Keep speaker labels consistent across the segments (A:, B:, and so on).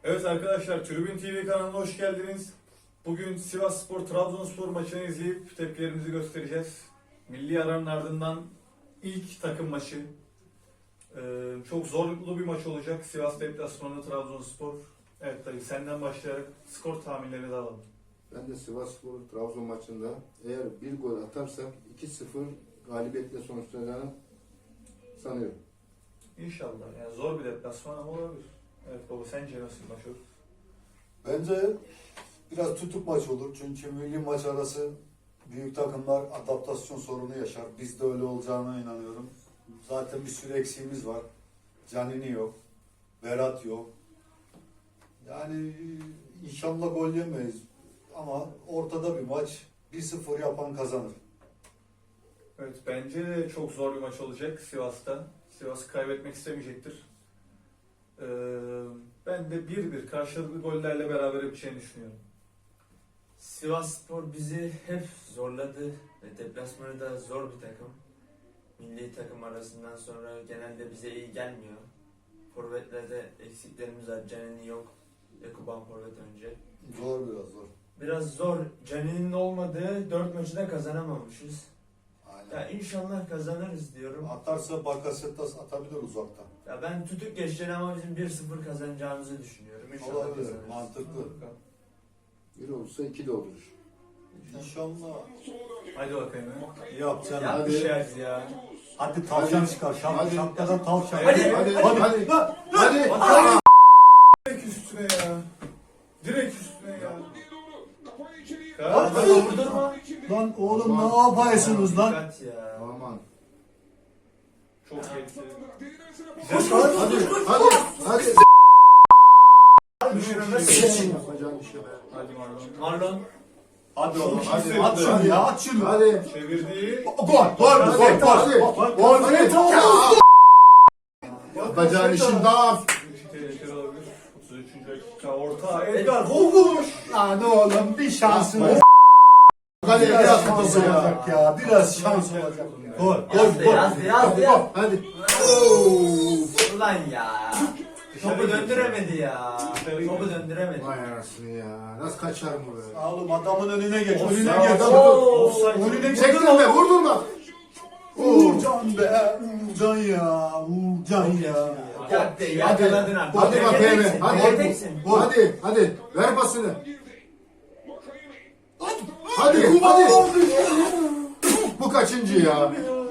A: Evet arkadaşlar, Tribün TV kanalına hoş geldiniz. Bugün Sivasspor Trabzonspor maçını izleyip tepkilerimizi göstereceğiz. Milli aranın ardından ilk takım maçı. Çok zorlu bir maç olacak. Sivas deplasmanı Trabzonspor. Evet dayı, senden başlayarak skor tahminlerini de alalım.
B: Ben de Sivasspor Trabzon maçında eğer bir gol atarsak 2-0 galibiyetle sonuçlanacağını sanıyorum.
A: İnşallah. Yani zor bir deplasman ama olabilir. Evet baba, sence nasıl bir maç olur?
C: Bence biraz tutuk maç olur. Çünkü milli maç arası büyük takımlar adaptasyon sorunu yaşar. Biz de öyle olacağına inanıyorum. Zaten bir sürü eksiğimiz var. Canini yok. Berat yok. Yani inşallah gol yemeyiz. Ama ortada bir maç. 1-0 yapan kazanır.
A: Evet, bence de çok zor bir maç olacak Sivas'ta. Sivas kaybetmek istemeyecektir. Ben de 1-1 karşılıklı gollerle beraber biteceğini düşünüyorum.
D: Sivasspor bizi hep zorladı ve deplasmanı da zor bir takım. Milli takım arasından sonra genelde bize iyi gelmiyor. Forvetlerde eksiklerimiz var. Canini yok. Ekuban forvet önce.
C: Zor biraz zor.
D: Biraz zor. Canini'nin olmadığı 4 maçı da kazanamamışız.
C: Aynen.
D: Ya inşallah kazanırız diyorum.
C: Atarsa Bakasetas atabilir uzaktan.
D: Ya ben tutuk geçeceğim ama bizim 1-0 kazanacağımızı düşünüyorum. İnşallah
C: Olabilir.
D: kazanırız.
C: Mantıklı.
B: Bir olursa 2 de olur.
C: İnşallah.
A: Hadi bakayım.
C: Yapacaksın.
D: Yapmışız ya.
C: Hadi tavşan çıkar.
B: Hadi.
C: Şapkadan tavşan.
A: Hadi.
B: Hadi.
A: Direkt üstüne ya. Direkt üstüne ya.
C: Hadi.
D: Vurdurma.
C: Lan oğlum ne yapıyorsunuz lan?
D: Dikkat ya.
B: Aman.
A: Çok geçti.
B: Hadi.
A: Hadi.
B: Yapacağın işe be.
A: Hadi Marlon.
D: Marlon.
C: Hadi oğlum
A: Hadi.
C: hadi. At şunu ya at şunu.
B: Hadi.
A: Çevirdi.
C: Gol.
B: Yapacağın işin daha.
A: Tehlikeli olabilir. 33. dakika orta. Edgar vurmuş.
C: Lan oğlum bir şansın olsun.
B: Hadi
C: Biraz
B: biraz
C: şans
B: fazla ya.
C: olacak ya. Biraz şans olacak. Gol.
D: Yazdı.
B: Hadi.
D: Ulan ya. Topu döndüremedi ya.
A: Dışarı
D: Topu
A: gitti.
D: döndüremedi.
B: Vay anasını ya. Nasıl kaçar bu be?
C: Oğlum adamın önüne geç.
A: Offside.
C: Önüne geç.
A: Offside.
C: Önüne geç.
B: Çektirme, vurdurma.
C: Uğurcan be. Uğurcan ya. Uğurcan ya.
D: Hadi yakaladın artık.
B: Hadi bakayım.
D: Teksin,
B: Hadi.
D: teksin.
B: Hadi. Ver pasını. Hadi. Bu kaçıncı ya?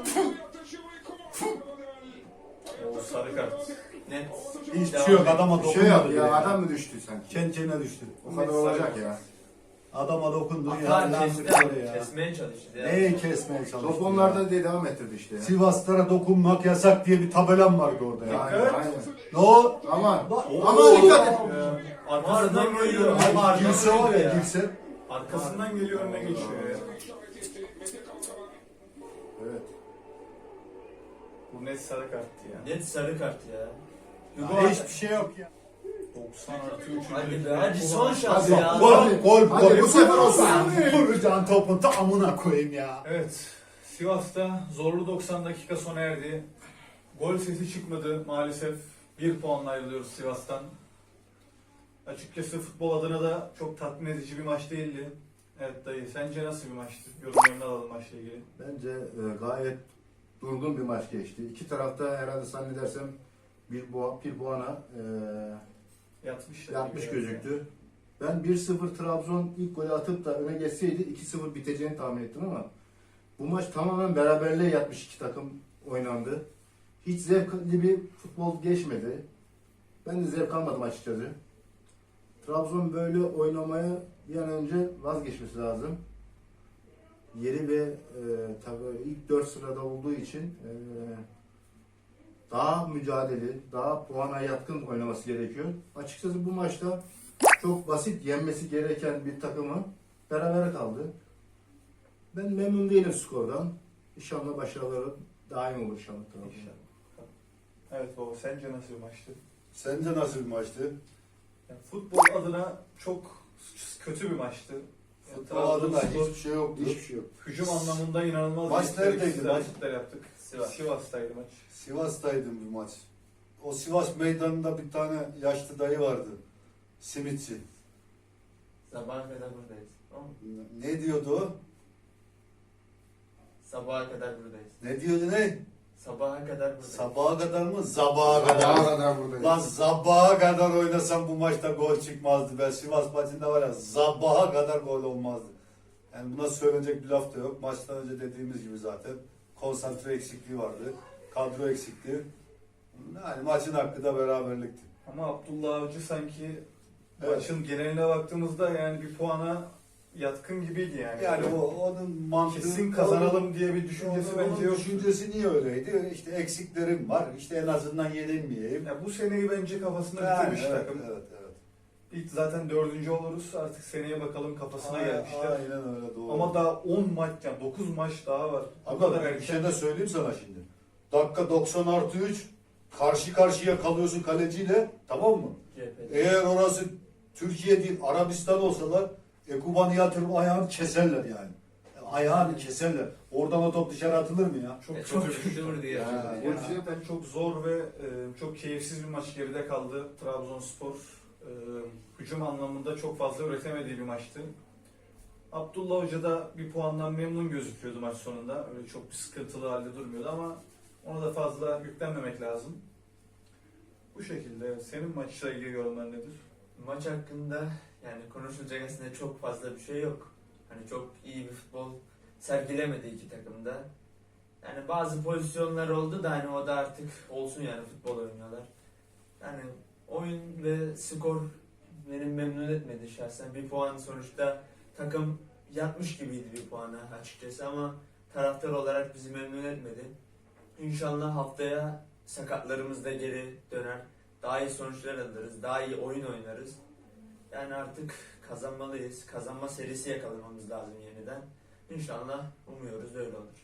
A: O sarı kart.
D: Net.
C: Hiçbir şey yok. Adama
B: Bir şey yap
C: dokunmadı.
B: ya. Adam mı düştü sanki?
C: Kencene düştü.
B: O kadar olacak ya.
C: Adama dokundu ya.
D: Atar
C: Lan
D: kesti.
C: sıkıyor ya.
D: Kesmeye çalıştı ya.
C: Neyi kesmeye çalıştı
B: Top
C: ya?
B: onlarda diye devam ettirdi işte ya.
C: Sivaslara dokunmak yasak diye bir tabelam vardı orada ya.
B: Aynen, aynen.
C: Ne o?
B: Aman.
C: Oo.
B: Aman dikkat et.
A: Arkasından geliyor.
C: Ay, girse var ya girse.
A: Arkasından geliyor, önüne geçiyor ya.
B: Evet.
A: Bu net sarı karttı ya.
D: Net sarı kart ya.
C: Ya hiçbir şey yok ya.
A: 90 artı 3.
D: Hadi be hadi son şans
B: Hadi.
D: ya.
B: Hadi bu sefer olsun.
C: Vuracağın topun tamamına koyayım ya.
A: Evet. Sivas'ta zorlu 90 dakika sona erdi. Gol sesi çıkmadı maalesef. 1 puanla ayrılıyoruz Sivas'tan. Açıkçası futbol adına da çok tatmin edici bir maç değildi. Evet dayı, sence nasıl bir maçtı? Yorumlarını alalım maçla ilgili.
B: Bence gayet durgun bir maç geçti. İki tarafta herhalde zannedersem bir puana yatmış gözüktü. Ben 1-0 Trabzon ilk golü atıp da öne geçseydi 2-0 biteceğini tahmin ettim ama bu maç tamamen beraberliğe yatmış, iki takım oynandı. Hiç zevkli bir futbol geçmedi. Ben de zevk almadım açıkçası. Trabzon böyle oynamaya bir an önce vazgeçmesi lazım. Yeri ve tabii ilk 4 sırada olduğu için daha mücadele, daha puana yatkın oynaması gerekiyor. Açıkçası bu maçta çok basit yenmesi gereken bir takımı berabere kaldı. Ben memnun değilim skordan. İnşallah başarıları daim olur inşallah.
A: Evet baba, sence nasıl bir maçtı?
C: Sence nasıl bir maçtı?
A: Yani futbol adına çok kötü bir maçtı.
C: Futbol adına
A: Trabzonspor
C: hiçbir şey yoktu.
B: Hiçbir şey yok.
A: hücum anlamında inanılmaz
C: Maç neredeydi
A: istatistiksel
C: maç?
A: hareketler yaptık.
D: Sivas.
A: Sivas'taydı maç.
C: Sivas'taydım bir maç. O Sivas meydanında bir tane yaşlı dayı vardı. Simitçi.
D: Sabaha kadar buradayız. Tamam mı?
C: Ne diyordu o?
D: Sabaha kadar buradayız.
C: Ne diyordu ne?
D: Sabaha kadar buradayız.
C: Sabaha kadar mı? Sabaha kadar.
B: Sabaha kadar buradayız.
C: Lan sabaha kadar oynasam bu maçta gol çıkmazdı. Ben Sivas maçında var ya sabaha kadar gol olmazdı. Yani buna söylenecek bir laf da yok. Maçtan önce dediğimiz gibi zaten konsantre eksikliği vardı. Kadro eksikliği. Yani maçın hakkı da beraberlikti.
A: Ama Abdullah Avcı sanki
C: Evet.
A: maçın geneline baktığımızda yani bir puana yatkın gibiydi yani.
C: Yani onun mantığı...
A: kesin kazanalım diye bir düşüncesi
C: Onun
A: bence yok.
C: düşüncesi niye öyleydi? İşte eksiklerim var. İşte en azından yenilmeyeyim.
A: Ya bu seneyi bence kafasında
C: Yani,
A: bitirmiş
C: evet,
A: takım.
C: evet, evet.
A: İlk zaten 4. oluruz. Artık seneye bakalım kafasına gelmişler.
C: Aynen öyle doğru.
A: Ama daha 10 maç yani 9 maç daha var. Bu
C: Abi
A: kadar
C: bir şey
A: erken.
C: de söyleyeyim sana şimdi. Dakika 90+3 karşı karşıya kalıyorsun kaleciyle, tamam mı?
D: CHP.
C: Eğer orası Türkiye değil Arabistan olsalar Ekuban'ı yatırıp ayağını keserler yani. Ayağını keserler. Oradan o top dışarı atılır mı ya?
A: Çok
D: Çok
A: kötü bir şey.
D: kötü diye.
C: Ha,
A: Gerçekten çok zor ve çok keyifsiz bir maç geride kaldı. Trabzonspor hücum anlamında çok fazla üretemediği bir maçtı. Abdullah Hoca da bir puandan memnun gözüküyordu maç sonunda. Öyle çok bir sıkıntılı halde durmuyordu ama ona da fazla yüklenmemek lazım. Bu şekilde. Senin maçla ilgili yorumlar nedir?
D: Maç hakkında yani konuşulacak aslında çok fazla bir şey yok. Hani çok iyi bir futbol sergilemedi iki takımda. Yani bazı pozisyonlar oldu da hani o da artık olsun yani futbol oynuyorlar. Yani oyun ve skor beni memnun etmedi şahsen. Bir puan sonuçta takım yatmış gibiydi bir puana açıkçası ama taraftar olarak bizi memnun etmedi. İnşallah haftaya sakatlarımız da geri döner. Daha iyi sonuçlar alırız, daha iyi oyun oynarız. Yani artık kazanmalıyız. Kazanma serisi yakalamamız lazım yeniden. İnşallah umuyoruz öyle olur.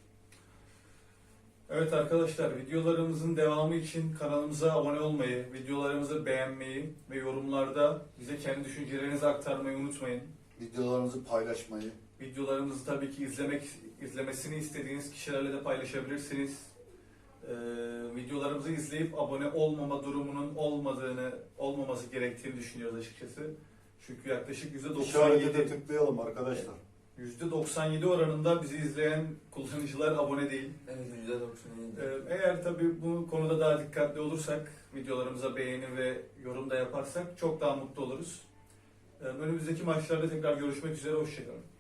A: Evet arkadaşlar, videolarımızın devamı için kanalımıza abone olmayı, videolarımızı beğenmeyi ve yorumlarda bize kendi düşüncelerinizi aktarmayı unutmayın.
C: Videolarımızı paylaşmayı.
A: Videolarımızı tabii ki izlemesini istediğiniz kişilerle de paylaşabilirsiniz. Videolarımızı izleyip abone olmama durumunun olmaması gerektiğini düşünüyoruz açıkçası. Çünkü yaklaşık
C: İşarete de
A: %97,
C: tıklayalım arkadaşlar.
A: %97 oranında bizi izleyen kullanıcılar abone değil.
D: Evet %97.
A: Eğer tabii bu konuda daha dikkatli olursak, videolarımıza beğeni ve yorum da yaparsak çok daha mutlu oluruz. Önümüzdeki maçlarda tekrar görüşmek üzere, hoşçakalın.